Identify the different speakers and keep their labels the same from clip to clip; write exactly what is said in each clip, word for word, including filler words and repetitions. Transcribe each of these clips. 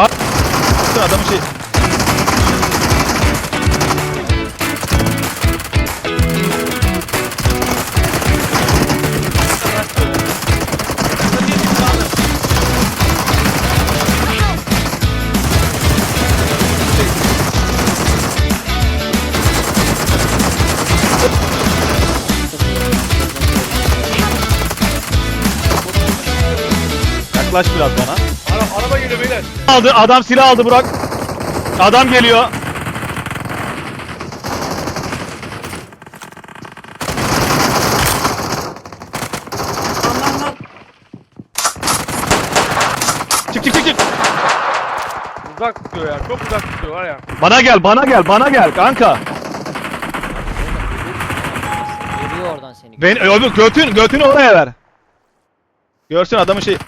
Speaker 1: Adamın şey. Yaklaş biraz bana.
Speaker 2: Ara, araba geliyor beyler.
Speaker 1: Aldı, adam silah aldı Burak. Adam geliyor. Çık çık çık çık.
Speaker 2: Uzak tutuyor ya. Çok uzak tutuyor var ya.
Speaker 1: Bana gel, bana gel, bana gel kanka.
Speaker 3: Geliyor oradan seni.
Speaker 1: Ben öbür götün götünü oraya ver. Görsün adamın şey.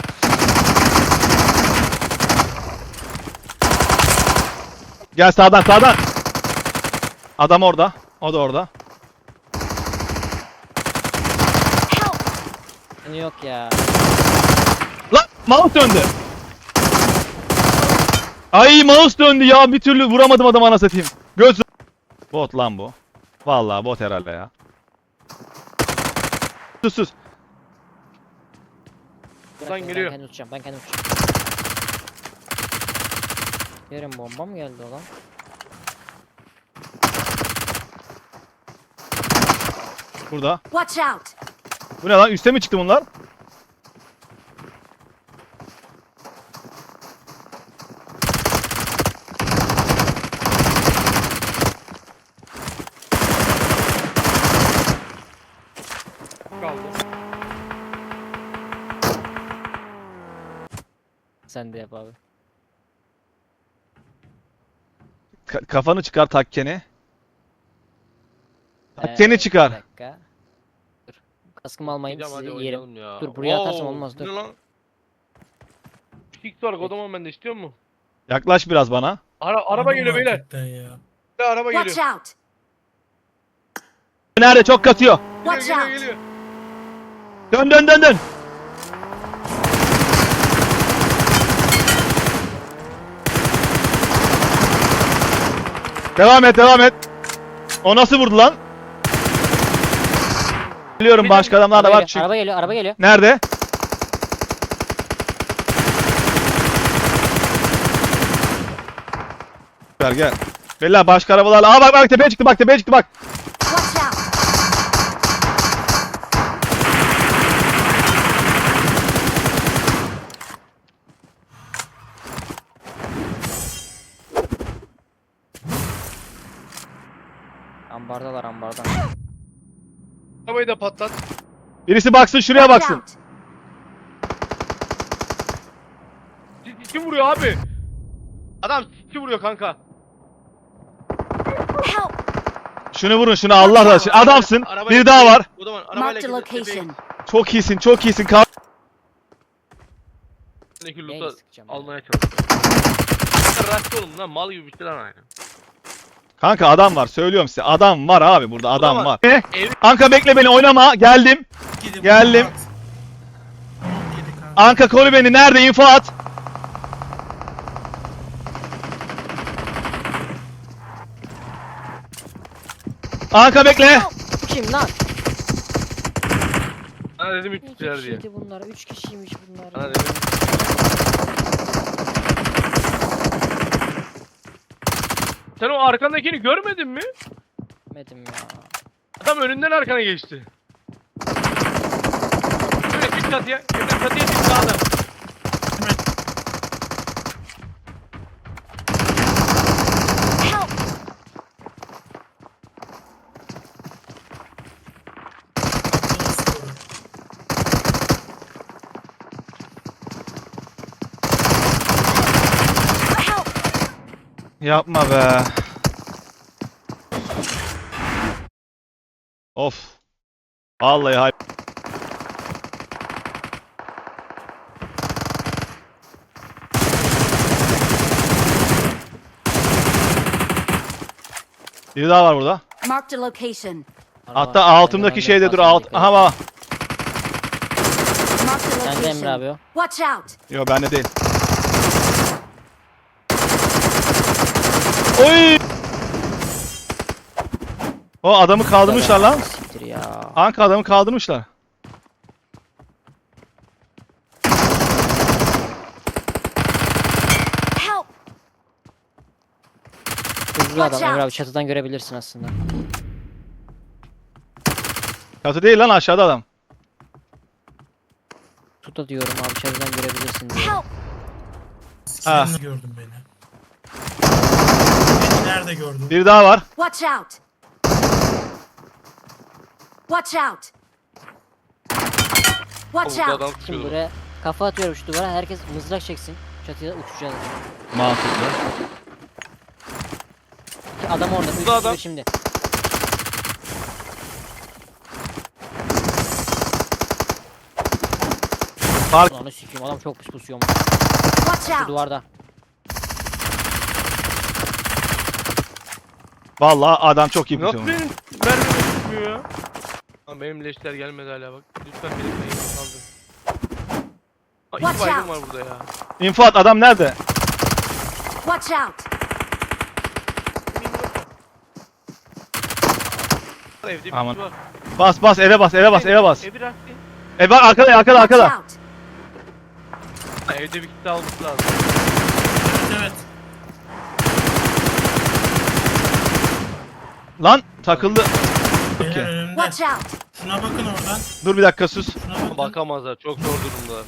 Speaker 1: Gel sağdan sağdan. Adam orada. O da orada.
Speaker 3: Seni yok ya.
Speaker 1: Lan mouse döndü. Ay mouse döndü ya, bir türlü vuramadım adamı, ana satayım. Göz. Bot lan bu. Vallahi bot herhalde ya. Sus sus.
Speaker 2: Buradan
Speaker 3: Ben
Speaker 2: geliyor.
Speaker 3: kendim uçacağım. Ben kendim uçacağım. Yerim bomba mı geldi o lan?
Speaker 1: Burada.
Speaker 4: Watch out!
Speaker 1: Bu ne lan? Üste mi çıktı bunlar?
Speaker 2: Kaldı.
Speaker 3: Sen de yap abi.
Speaker 1: Ka- kafanı çıkar takkeni.
Speaker 3: Ee,
Speaker 1: Takkeni çıkar.
Speaker 3: Bir dakika. Dur. Kaskımı almayayım,
Speaker 2: Hocam hadi
Speaker 3: sizi yerim.
Speaker 2: oynayalım ya.
Speaker 3: Dur, buraya atarsam
Speaker 2: Oo,
Speaker 3: olmaz, dur.
Speaker 2: Ne lan? İlk var kodaman bende istiyor mu?
Speaker 1: Yaklaş biraz bana.
Speaker 2: Ara, araba geliyor beyler.
Speaker 5: Hakikaten ya.
Speaker 2: Bir araba
Speaker 4: Watch
Speaker 2: geliyor.
Speaker 4: out!
Speaker 1: Nerede? Çok katıyor.
Speaker 2: Geliyor
Speaker 4: Watch
Speaker 2: geliyor
Speaker 4: out!
Speaker 2: geliyor.
Speaker 1: Dön dön dön dön. Devam et devam et. O nasıl vurdu lan? Biliyorum başka adamlar da
Speaker 3: Araba
Speaker 1: var.
Speaker 3: geliyor,
Speaker 1: Çık.
Speaker 3: araba geliyor, araba geliyor.
Speaker 1: Nerede? Gel gel. Bella başka arabalarla. Aa bak bak tepeye çıktı, bak tepeye çıktı bak.
Speaker 4: Watch out!
Speaker 3: Ambardalar, ambarda.
Speaker 2: Arabayı da patlat.
Speaker 1: Birisi baksın şuraya
Speaker 4: Watch
Speaker 1: baksın.
Speaker 4: out!
Speaker 2: Kim vuruyor abi? Adam kim vuruyor kanka?
Speaker 4: Help!
Speaker 1: Şunu vurun şunu, Allah razı olsun. Adamsın.
Speaker 2: Arabayla
Speaker 1: Bir daha var.
Speaker 2: Kodaman arabayla
Speaker 4: Marked a
Speaker 2: gidiyor.
Speaker 4: location.
Speaker 1: Çok iyisin çok iyisin. Kal.
Speaker 2: Tepedeki
Speaker 3: Neyle
Speaker 2: loot'u
Speaker 3: sıkacağım ya?
Speaker 2: almaya çalışıyor. Rastlı oğlum lan, mal gibi bir şey lan aynı.
Speaker 1: Kanka adam var, söylüyorum size. Adam var abi, burada adam
Speaker 2: var.
Speaker 1: var. Ne?
Speaker 2: Ev-
Speaker 1: Anka bekle beni, oynama. Geldim.
Speaker 5: Gidin
Speaker 1: Geldim.
Speaker 5: bunu at. Gidin kanka.
Speaker 1: Anka koru beni. Nerede? İnfo at. Anka bekle.
Speaker 3: Bu kim lan?
Speaker 2: Sana dedim üç
Speaker 3: İki
Speaker 2: kişiler diye.
Speaker 3: kişiydi bunlar, üç kişiymiş bunlar.
Speaker 2: Sana
Speaker 3: ya.
Speaker 2: dedim. Sen o arkandakini görmedin mi?
Speaker 3: Bilmedim ya.
Speaker 2: Adam önünden arkana geçti. Şöyle çık çatıya. Şöyle çatıya çık sağda.
Speaker 4: Help! Help!
Speaker 1: Yapma be. Of. Vallahi hay. Biri daha var burada.
Speaker 4: Marked a location.
Speaker 3: Araba.
Speaker 1: Hatta altımdaki
Speaker 3: Ben de
Speaker 1: şeyde dur
Speaker 3: basmaya
Speaker 1: alt.
Speaker 3: dikkat
Speaker 1: Aha
Speaker 3: et.
Speaker 1: bak.
Speaker 4: Marked a
Speaker 3: Sen de Emre abi
Speaker 4: location.
Speaker 3: o.
Speaker 4: Watch out!
Speaker 1: Yo bende değil. Oy! O adamı kaldırmışlar lan.
Speaker 3: Siktir ya.
Speaker 1: Anka adamı kaldırmışlar.
Speaker 4: Help!
Speaker 3: Hızlı adam
Speaker 4: Watch
Speaker 3: Emre
Speaker 4: out.
Speaker 3: abi çatıdan görebilirsin aslında.
Speaker 1: Katı değil lan aşağıda adam.
Speaker 3: Tut da diyorum abi çatıdan görebilirsin diye.
Speaker 4: Help!
Speaker 1: Ha.
Speaker 5: Sen gördün beni. Beni nerede gördün?
Speaker 1: Bir daha var.
Speaker 4: Watch out! Watch out! Watch
Speaker 2: Burada
Speaker 4: out!
Speaker 2: adam
Speaker 3: Şimdi
Speaker 2: tutuyordu.
Speaker 3: buraya kafa atıyorum şu duvara herkes mızrak çeksin. Çatıya uçacağız.
Speaker 1: Mantıklı.
Speaker 3: Ki adam orada. Üç
Speaker 2: adam.
Speaker 3: kişi şimdi.
Speaker 1: Fark.
Speaker 3: Ulan sikeyim adam çok pis pusuyor.
Speaker 4: Watch
Speaker 3: Şu
Speaker 4: out!
Speaker 3: duvarda.
Speaker 1: Vallahi adam çok iyi
Speaker 2: Nasıl
Speaker 1: tutuyor.
Speaker 2: benim mermim tutmuyor ya? Lan benim leşler gelmedi hala bak. Lütfen benim neyimi kaldır. Aa,
Speaker 4: Watch
Speaker 2: iki baygın
Speaker 4: out.
Speaker 2: var burada ya.
Speaker 1: İnfat adam nerede?
Speaker 4: Watch out!
Speaker 2: Var, evde bir
Speaker 1: Aman.
Speaker 2: kişi var.
Speaker 1: Bas bas eve bas eve bas eve bas.
Speaker 2: Evi bıraktı.
Speaker 1: E bak arkada arkada
Speaker 4: Watch
Speaker 1: arkada.
Speaker 4: out!
Speaker 2: Ha, evde bir kişi alması lazım.
Speaker 5: Evet evet.
Speaker 1: Lan takıldı.
Speaker 5: Beyler
Speaker 1: Okey.
Speaker 5: önümde.
Speaker 4: Watch out!
Speaker 5: Şuna bakın oradan.
Speaker 1: Dur bir dakika sus.
Speaker 5: Şuna bakın.
Speaker 2: Bakamazlar çok zor durumda.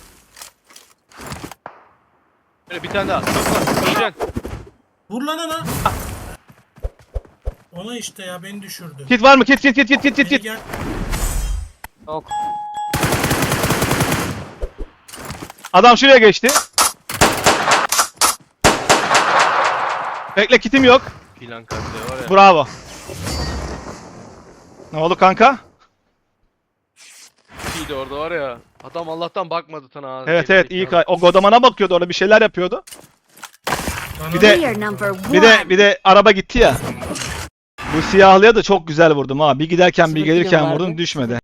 Speaker 2: Böyle bir tane daha. Çok var. Öleceksin.
Speaker 5: Vur lan ona. Ona işte ya beni düşürdü.
Speaker 1: Kit var mı? Kit kit kit kit kit kit
Speaker 5: Beni
Speaker 1: kit.
Speaker 5: gel.
Speaker 3: Yok.
Speaker 1: Adam şuraya geçti. Bekle kitim yok.
Speaker 2: Filan kalite var ya.
Speaker 1: Bravo. Ne oldu kanka?
Speaker 2: İyiydi orada var ya. Adam Allah'tan bakmadı sana. ha.
Speaker 1: Evet
Speaker 2: Geri
Speaker 1: evet iyi.
Speaker 2: zekalı.
Speaker 1: kay- O godamana bakıyordu orada bir şeyler yapıyordu.
Speaker 5: Bana
Speaker 1: Bir de-
Speaker 4: We are number one!
Speaker 1: Bir de bir de araba gitti ya. Bu siyahlıya da çok güzel vurdum ha. Bir giderken bir
Speaker 3: Sınıf
Speaker 1: gelirken
Speaker 3: film
Speaker 1: vurdum
Speaker 3: vardı.
Speaker 1: düşmedi.